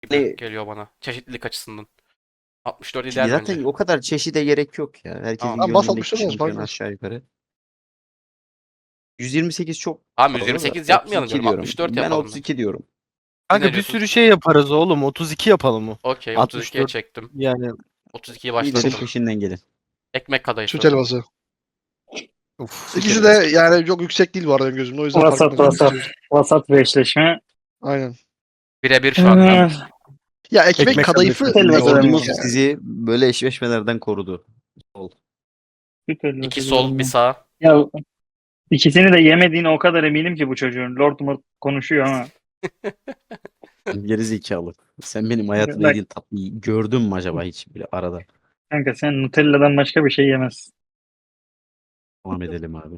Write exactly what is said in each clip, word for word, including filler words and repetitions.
gibi Hani geliyor bana. Çeşitlilik açısından. altmış dört ideal zaten bence. o kadar çeşide gerek yok ya. Herkesin Tamam. Ha, bas gönlündeki altmış dört olsun, fark şampiyon etmez. aşağı yukarı. yüz yirmi sekiz çok Tamam fazla da yüz yirmi sekiz yapmayalım otuz iki diyorum. diyorum. altmış dört Ben yapalım ben. otuz iki diyorum. Siz ne Kanka bir diyorsunuz? sürü şey yaparız oğlum. otuz iki yapalım mı? Okey otuz ikiye altmış dört çektim. yani. otuz ikiyi İyilerin başlattım. peşinden gelin. Ekmek Süt kadayıfı. helvası. Uf. İkisi de yani çok yüksek değil bu arada benim gözümde. O yüzden fark Vasat etmez. vasat. Vasat bir eşleşme. Aynen. Birebir şu anda. Ee, Ya ekmek, Ekmek kadayıfı kadayıfı. Helvası ekmek Ordumuz yani. sizi böyle eşleşmelerden korudu. Sol. Süt helvası İki diyorum sol bir ben. sağ. Ya ikisini de yemediğine o kadar eminim ki bu çocuğun. Lord Mort konuşuyor ama. Geri zekalı. Sen benim hayatımda Bak yediğin tatlıyı gördün mü acaba hiç bile arada? kanka sen Nutella'dan başka bir şey yemezsin. Devam edelim abi.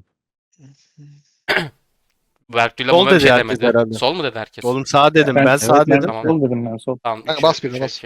Bertü'yle Sol Mama bir dedi şey herkes demedi. herhalde. Sol mu dedi herkes? Oğlum sağ dedim. Ben- Ben Evet, sağ ben dedim. Tamam. sol dedim ben sol. Tamam. Kanka üçe- bas birine üçe bas. iki.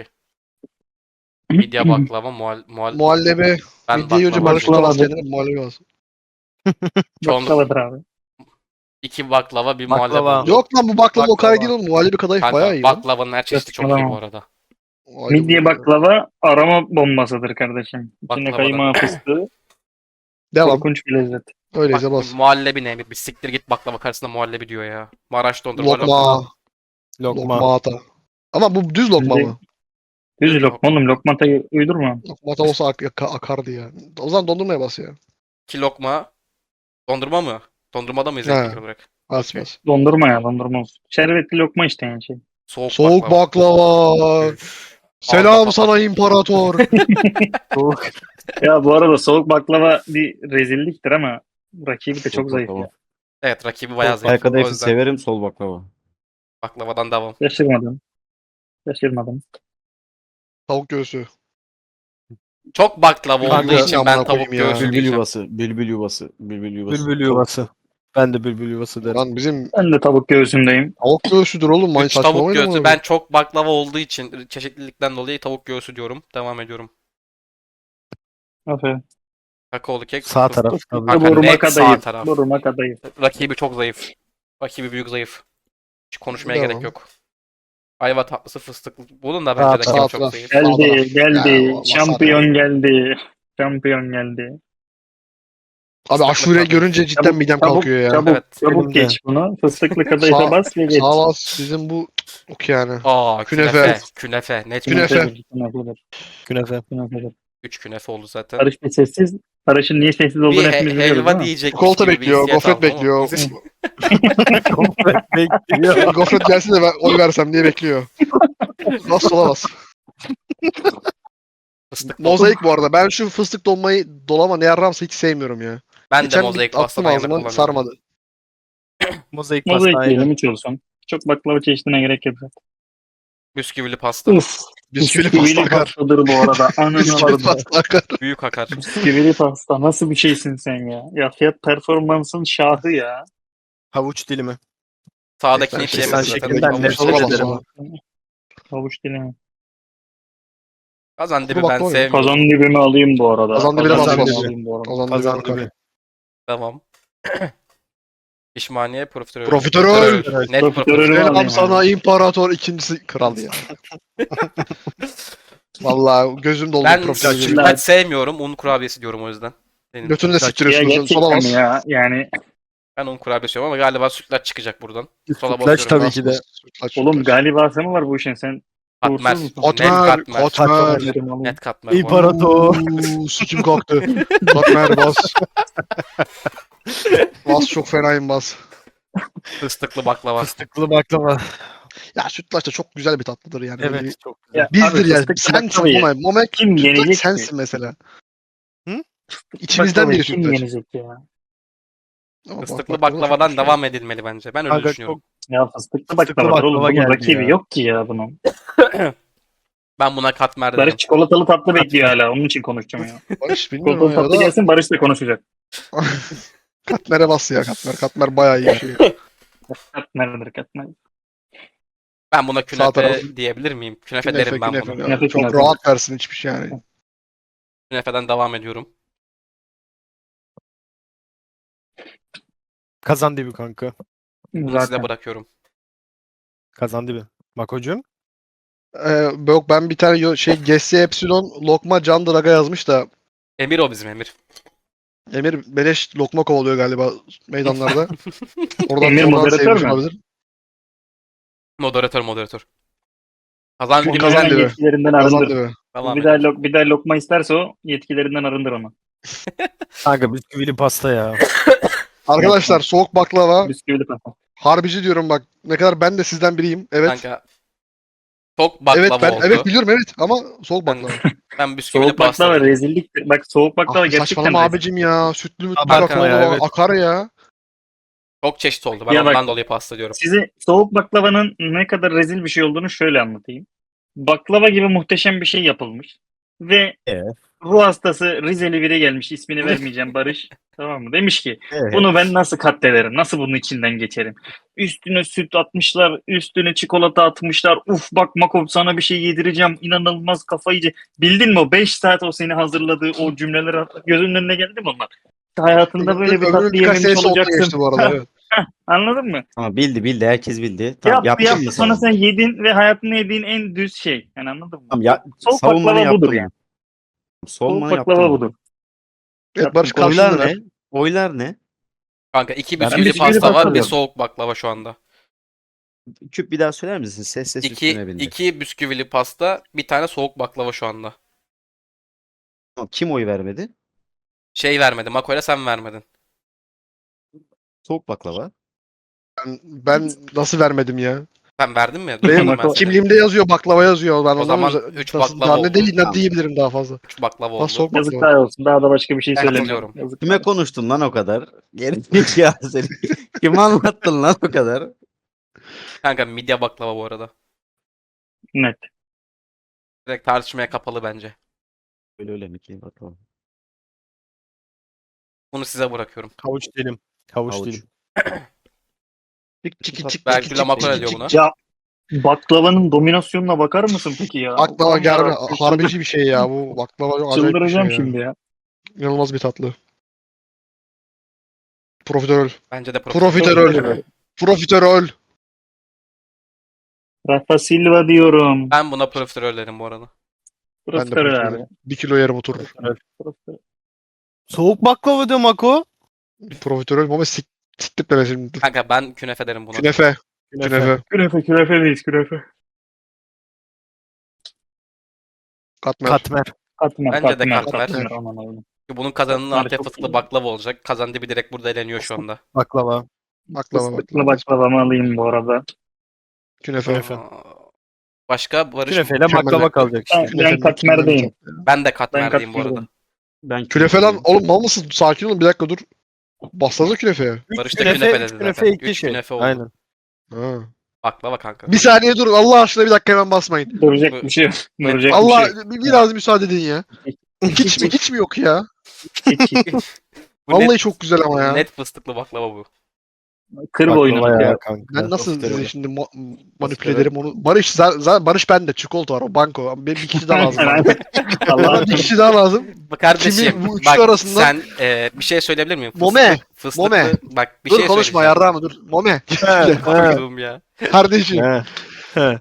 Midye baklava muhal, muhal Muhallebi. ben Midyeyi önce baklava Barış diyorum. tutamaz Baklava. kendine. Muhallebi bas. Çoğunluk Baklavadır abi. iki baklava bir muhallebi Baklava. oldu. Yok lan bu baklava o kadar Baklava. değil oğlum. Muhallebi kadayıf bayağı Kanka iyi lan. baklavanın her çeşidi çok iyi bu Saçmalama. arada. Muhallebi Midye baklava. baklava aroma bombasıdır kardeşim. İçinde Baklavadan. kaymağı fıstığı. Devam. Korkunç bir lezzet. Öyleyse Bak, bas. muhallebi ne? Bir siktir git baklava karşısında muhallebi diyor ya. Maraş dondurma lokma. Lokma. Lokma. Lokma ata. Ama bu düz lokma Şimdi- mı? Düz Düz lokma oğlum. Lokmatayı uydurma. Lokma ata olsa ak- ak- akardı ya. O zaman dondurmaya bas ya. İki lokma. Dondurma mı? Dondurmada mıyız He. ekmek olarak? Bas Okey. bas. Dondurma ya dondurma olsun. Şerbetli lokma işte yani şey. Soğuk, Soğuk baklava. baklava. Üf. Selam Ağızda sana patlat. imparator. Ya bu arada soğuk baklava bir rezilliktir ama rakibi de çok Sol zayıf baklava. ya. Evet rakibi bayağı Ay zayıf. O kadayıfı yüzden severim, sol baklava. baklavadan devam. Şaşırmadım. Şaşırmadım. Tavuk göğsü. Çok baklava Kanka, olduğu için amına ben tavuk koyayım ya. göğsü Bülbül diyeceğim. yuvası, bülbül yuvası, bülbül yuvası. Bülbül yuvası. Ben de bülbül yuvası derim. Lan bizim Ben de tavuk göğsündeyim. tavuk göğsüdür oğlum. Manyak Üç tavuk saçmalamayın göğsü. amına Ben çok baklava olduğu için çeşitlilikten dolayı tavuk göğsü diyorum. Devam ediyorum. Aferin. Kakaolu kek. Sağ fıstık. taraf tabii. Kanka Boruma net sağ kadayıf. taraf. Boruma kadayıf. Rakibi çok zayıf. Rakibi büyük zayıf. Hiç konuşmaya Devam. gerek yok. Ayva tatlısı fıstıklı. Bunun da Sağ bence rakibi taraf. çok Sağ zayıf. taraf. Geldi, geldi. Ya, Şampiyon geldi. Şampiyon geldi. Abi Fıstıklı aşure kadayıf. görünce cidden Çabuk, midem çabuk, kalkıyor ya. Çabuk, Evet. çabuk Benim de. geç bunu. Fıstıklı kadayıfa Sağ- bas ve geç. Sağ ol bizim bu ok yani. Aa künefe. Künefe. Künefe. Net Künefe. künefe. Künefedir. Künefe. Künefedir. üç künefe oldu zaten. Barış bir sessiz. Barış'ın niye sessiz Bir olduğunu he- hepimiz biliyoruz değil helva mi? diyecekmiş Çikolata gibi bir bekliyor, hissiyat gofret aldım ama bekliyor. olsun. Bekliyor. Gofret gelsin de ben oy versem diye bekliyor. Bas sola bas. Fıstık Mozaik bu arada. Ben şu fıstık dolmayı dolama ne yarramsa hiç sevmiyorum ya. Ben de Geçen mozaik bir pasta attım ben yana ağzıma kullanıyorum. sarmadı. Mozaik Mozaik pasta diyelim aynen. hiç olsun. Çok baklava çeşidine gerek yok zaten. Bisküvili pasta. Uf. Bisküvili pasta akar. pastadır bu arada. Ananı Bisküvili vardı. pasta akar. Büyük akar. Bisküvili pasta. Nasıl bir şeysin sen ya? Ya fiyat performansın şahı ya. Havuç dilimi. Sağdakini Ben hiç şey- yemedim Sen zaten. şekilden Havuç nefret dilimi. Sola bas, ederim. sola. Havuç dilimi. Kazan dibi Kuru ben baklava yok. sevmiyorum. Kazan dibimi alayım bu arada. Kazan dibine bas, dibimi bas. alayım bu arada. Kazandı Kazan bir akar. dibi. Tamam. Pişmaniye profiterol. Profiterol. Net Profiterolü profiterol. alayım Selam sana abi. imparator ikincisi kral ya. Vallahi gözüm doldu Ben profiterol. Şimdi- görünce. sütlaç sevmiyorum. Un kurabiyesi diyorum o yüzden. Benim. Götünü de Ya Ya siktiriyorsun sola gerçekten bas. ya. Yani Ben un kurabiyesi diyorum ama galiba sütlaç çıkacak buradan. Sola Sütlaç basıyorum. tabii Bas, ki de. bas. Sütlaç, oğlum sütlaç. galibası mı var bu işin sen? Katmer. Uğursuz musun? Net Katmer, katmer. katmer. Dedim oğlum. Net katmer. İmparator. Uuu, sikim kalktı. Katmer bas. Bas çok fenayım bas. Fıstıklı baklava. Fıstıklı baklava. Ya sütlaç da çok güzel bir tatlıdır yani. Böyle bir- Evet çok güzel. Ya Bizdir abi yani. fıstıklı Sensin baklavayı Momek. Momek kim sütlaç yenecek ki? sensin mesela. Hı? İçimizden Baklavayı biri kim sütlaç. yenecek ya? Ama Fıstıklı bak- baklava baklavadan çok güzel. devam edilmeli bence. Ben öyle Kanka düşünüyorum. çok Ya fıstıklı Fıstıklı baklavadır oğlum. baklava Bunun geldi rakibi ya. yok ki ya bunun. Ben buna katmer Barış dedim. çikolatalı tatlı bekliyor hala. Onun için konuşacağım ya. Barış bilmiyorum Çikolatalı ya tatlı da gelsin Barış da konuşacak. Katmer'e bas ya Katmer. Katmer bayağı iyi bir şey. Katmer'dir katmer. Ben buna Sağ taraf. künefe diyebilir miyim? Künefe, Künefe, derim ben künefe. buna. ya. Künefe, Çok künefe. rahat versin hiçbir şey yani. Künefeden devam ediyorum. kazan dibi kanka. Bunu size Zaten. bırakıyorum. Kazan dibi. Makocuğum. Ee, yok ben bir tane yo- şey G S Epsilon lokma Can Draga yazmış da Emir o bizim Emir. Emir beleş lokma kovalıyor galiba meydanlarda. Oradan Emir oradan moderatör sevmiş mü? olabilir. Moderatör moderatör. Kazan Çünkü günü kazan Hemen diyor. yetkilerinden Kazandı arındır. be. Devam Bir daha, edelim. lok, bir daha lokma isterse o yetkilerinden arındır onu. Kanka bisküvili pasta ya. Arkadaşlar soğuk baklava. Bisküvili pasta. Harbici diyorum bak. Ne kadar ben de sizden biriyim. Evet. Kanka çok baklava Evet ben oldu. evet biliyorum evet ama soğuk Ben, baklava. ben bisküvili Soğuk pasta baklava dedim. rezilliktir. Bak soğuk baklava Ah, gerçekten saçmalama rezil. abicim ya. Sütlü mütlü Abartma kakaolu ya, evet. akar ya. Çok çeşit oldu. Ben Ya bak- ondan dolayı pasta diyorum. Size soğuk baklavanın ne kadar rezil bir şey olduğunu şöyle anlatayım. Baklava gibi muhteşem bir şey yapılmış. Ve Evet. ruh hastası Rizeli biri gelmiş. İsmini vermeyeceğim Barış. Tamam mı? Demiş ki Evet. bunu ben nasıl katlederim? Nasıl bunun içinden geçerim? Üstüne süt atmışlar. Üstüne çikolata atmışlar. Uf bak Makov sana bir şey yedireceğim. İnanılmaz kafayı yiyecek. Bildin mi o beş saat o seni hazırladığı o cümleler gözünün önüne geldi mi onlar? Hayatında böyle bir Ömrümün tatlı birkaç yememiş senesi oldu olacaksın. geçti bu arada. Evet. Anladın mı? Ama bildi bildi herkes bildi. Tamam Yaptı yaptın yaptı mı sonra sen? sen yedin ve hayatında yediğin en düz şey. Yani anladın mı? Tamam ya Soğuk savunmanı baklava yaptın budur mı? yani. Soğuk Savunmanı baklava yaptın mı? budur. Evet Barış Oylar karşılığını ver. ne? Oylar ne? Kanka iki Ben bisküvili bisküvili pasta pasta var, bir diyorum. soğuk baklava şu anda. Küp bir daha söyler misin? Ses ses İki, üstüne bindi. iki bisküvili pasta, bir tane soğuk baklava şu anda. Tamam, kim oy vermedi? Şey vermedi. Makoyla sen vermedin. Soğuk baklava. Ben, ben nasıl vermedim ya? Sen verdin mi? Benim Duymadım ben seni. kimliğimde yazıyor baklava yazıyor. Ben O zaman anlamıyorum. üç Nasıl- baklava daha ne oldu. değil ne Tamam. diyebilirim daha fazla. Üç baklava Ha, oldu. soğuk baklava. Yazıklar olsun. Daha da başka bir şey Ben söylemiyorum. katılıyorum. Yazıklar Kime olsun. konuştun lan o kadar? Geri ya seni. Kime anlattın lan o kadar? Kanka midye baklava bu arada. Net. Direkt tartışmaya kapalı bence. Öyle öyle mi ki? Bakalım. Bunu size bırakıyorum. Havuç dilim. Havuç, Havuç. dilim. Çık çık çık çık Belki çık de Makoyla çık diyor çık buna. Ya baklavanın dominasyonuna bakar mısın peki ya? Baklava Allah'ım germe yarabbim, harbici bir şey ya bu. Baklava çok acayip bir şey Çıldıracağım ya. şimdi ya. İnanılmaz bir tatlı. Profiterol. Bence de Profiterol. Profiterol. Rafa Silva diyorum. Ben buna profiterol derim bu arada. Ben de Profiterol abi. profiterol. Bir kilo yerim oturur. Profiterol. Soğuk baklava diyor Mako. Profiterol ama sik siktir deme şimdi. Kanka ben künefe derim buna. Künefe. Künefe. Künefe künefe değil künefe. Katmer. Katmer. Katmer Bence de katmer. katmer. katmer, aman Allah'ım. Bunun kazanının Katmer Antep çok fıstıklı iyi. baklava olacak. Kazan dibi direkt burada eleniyor şu anda. Baklava. Baklava Fıstıklı baklava. baklavamı alayım bu arada. Künefe. Künefe. Aa, Başka Barış? Künefeyle mükemmel. baklava kalacak Ben, işte. ben Künefe katmerdeyim. mükemmel bir tatlı ya. Ben de Ben katmerdeyim bu arada. katmerdeyim. Ben Künefe lan oğlum mal mısın? Sakin olun bir dakika dur. Bassanıza künefeye. Üç Barış da künefe dedi üç zaten. künefe, iki Üç şey. künefe oldu. Aynen. Ha. Baklava kanka. Bir saniye dur Allah aşkına bir dakika hemen basmayın. Duracak Bu- bir şey yok. Duracak bir Allah şey yok. bir- biraz müsaade edin ya. Hiç mi hiç mi yok ya? Hiç, hiç. Bu Vallahi net, çok güzel ama ya. net fıstıklı baklava bu. Kır Baklava boynunu. ya kır. kanka. Ben nasıl Profiterol. size şimdi ma- manipüle ederim onu? Barış zaten Barış bende çikolata var o banko. Benim bir kişi daha lazım. bana. Allah Bana bir kişi daha lazım. Bak kardeşim Kimi bu üçlü bak arasından- sen e, bir şey söyleyebilir miyim? Fıstıklı, Mome, Fıstıklı, Mome. bak bir dur şey konuşma söyleyeceğim. yarrağımı dur. Mome. He, he, Koyduğum ya. Kardeşim. he, he.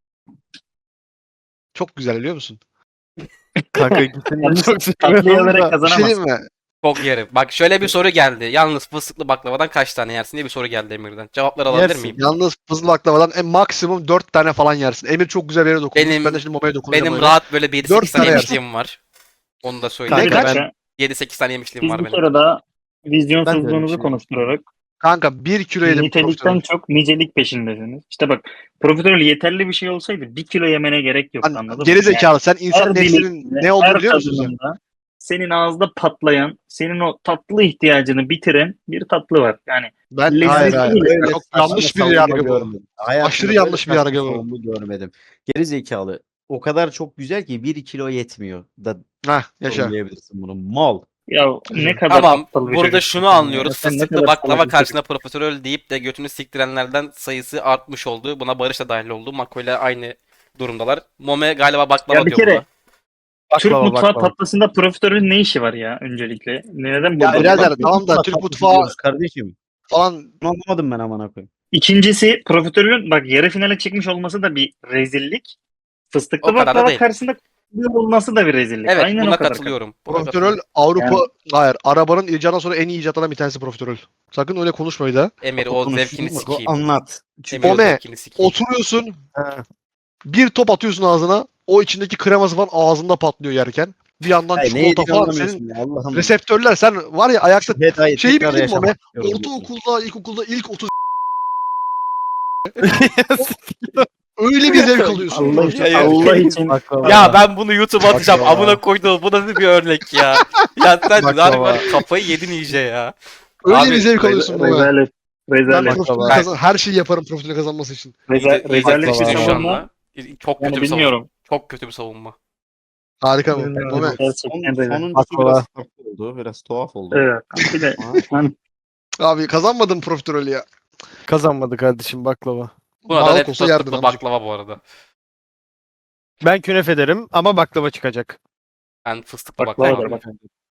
Çok güzel biliyor musun? Kanka ikisini Yalnız çok tatlıyı seviyorum alarak da. Bir şey kazanamazsın. diyeyim mi? Çok yerim. Bak şöyle bir soru geldi. Yalnız fıstıklı baklavadan kaç tane yersin diye bir soru geldi Emir'den. Cevapları alabilir Yersin. miyim? Yalnız fızlı baklavadan en maksimum dört tane falan yersin. Emir çok güzel bir yere dokunmuş. Benim- ben de şimdi Mome'ye dokunacağım. Benim öyle. rahat böyle bir yedi Dört sekiz tane tane yemişliğim var. Onu da Bir söyleyeyim. Kanka dakika. yedi sekiz tane yemişliğim Biz var bir benim. kere daha Ben de öyle bir vizyonsuzluğunuzu şey konuşturarak Kanka bir kilo yedim. nitelikten çok nicelik peşindesiniz. İşte bak profiterol yeterli bir şey olsaydı bir kilo yemene gerek yok, anladın mı? Geri zekalı. Sen Yani insan her neslinin diliminde, ne olduğunu her biliyor musun sen? tadımında senin ağızda patlayan, senin o tatlı ihtiyacını bitiren bir tatlı var. Yani Ben Lezzetli hayır hayır. değil. Öyle çok yanlış bir yargı bu. Aşırı yanlış bir yargı bu. bu. Görmedim. Geri zekalı. O kadar çok güzel ki bir kilo yetmiyor. Da Hah yaşa. yorumlayabilirsin bunu. Mal. ya ne kadar Tamam. aptal bir Burada çocuksun şunu sen ya. anlıyoruz. Sen ne Fıstıklı kadar baklava salak bir karşısında profiterol deyip de götünü siktirenlerden sayısı artmış oldu. Buna Barış da dahil oldu. Mako ile aynı durumdalar. Mome galiba baklava Ya bir diyor kere- buna. Türk Baklava, mutfağı baklava. tatlısında profiterolün ne işi var ya öncelikle? Neden Ya burada? birader Bak, tamam da Türk Türk mutfağı mutfağı diyoruz kardeşim. falan Bunu anlamadım ben amına koyayım. İkincisi profiterolün bak yarı finale çıkmış olması da bir rezillik. Fıstıklı O kadar da baklava değil. karşısında olması da bir rezillik. Evet Aynen buna o kadar. katılıyorum. Buna Profiterol katılıyorum. Avrupa Yani- hayır arabanın icadından sonra en iyi icatlardan bir tanesi profiterol. Sakın öyle konuşmayın da. Emir O o konuşsun, zevkini Mako, sikeyim. anlat. Emir o Ome, zevkini sikeyim. Oturuyorsun Ha. bir top atıyorsun ağzına. O içindeki kreması falan ağzında patlıyor yerken. Bir yandan Hayır, ne çikolata yediğini falan. anlamıyorsun Senin ya Allah'ım. reseptörler sen var ya ayakta Hedayı şeyi tekrar bildin mi Ome? yaşamak istiyorum. Ortaokulda, ilkokulda ilk otuz öyle bir zevk alıyorsun. Allah profiterol. Ya, ya. Allah için. Baklava. Ya ben bunu YouTube'a atacağım. Baklava. Amına koyduğum bu nasıl bir örnek ya. Ya sen Baklava. harbi var kafayı yedin iyice ya. Öyle Abi, bir zevk alıyorsun Ome. Rezalet. Ben Rezalet. profiterol Baklava. kazan her şeyi yaparım profiterol kazanması için. Reza, İyice, iyice rezalet bir pişti şu savunma. anda. Çok kötü Yani bir savunma. bilmiyorum. Çok kötü bir savunma. Harika bu. Bilmiyorum. Ome. Gerçekten Son, rezalet. sonuncusu Baklava. biraz farklı oldu. Biraz tuhaf oldu. Evet. Bir de Ama hani Abi kazanmadın profiterolü ya. Kazanmadı kardeşim baklava. Buna da Balık net olsa yerdin fıstıklı amcık. baklava bu arada. Ben künefe derim ama baklava çıkacak. Ben fıstıklı Baklava baklava. da bak.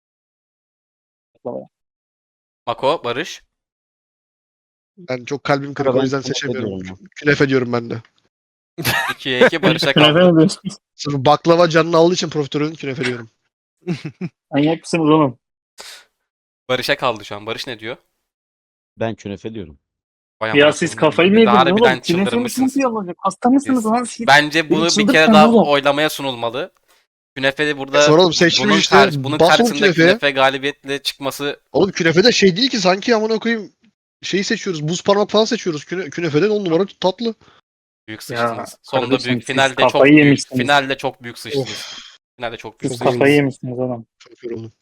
Mako, Barış. Ben çok kalbim kırık ben o yüzden künefe seçemiyorum. diyorum Künefe diyorum ben de. ikiye iki Barış'a Künefe kaldı. mi diyorsun? Sırf baklava canını aldığı için profiterolün künefe diyorum. Manyak mısınız oğlum? Barış'a kaldı şu an. Barış ne diyor? ben künefe diyorum. Vay Ya amına siz koyayım. kafayı mı Bir de yediniz harbiden oğlum? Künefe çıldırmışsınız. mi olacak? Hasta mısınız lan siz? Bence bunu Beni bir kere çıldırtmayın daha oğlum. oylamaya sunulmalı. Künefe de burada Soralım seçmiş bunun, işte. kar- bunun Bas oğlum karşısında künefeye. künefe galibiyetle çıkması Oğlum künefe de şey değil ki sanki amına koyayım şeyi seçiyoruz. Buz parmak falan seçiyoruz. Küne, künefeden on numara tatlı. büyük Ya, sıçtınız. Sonunda kardeşim, büyük siz finalde çok kafayı büyük yemişsiniz. finalde çok büyük sıçtınız. Finalde çok büyük Siz sıçtınız. kafayı yemişsiniz oğlum. Çok yoruldum.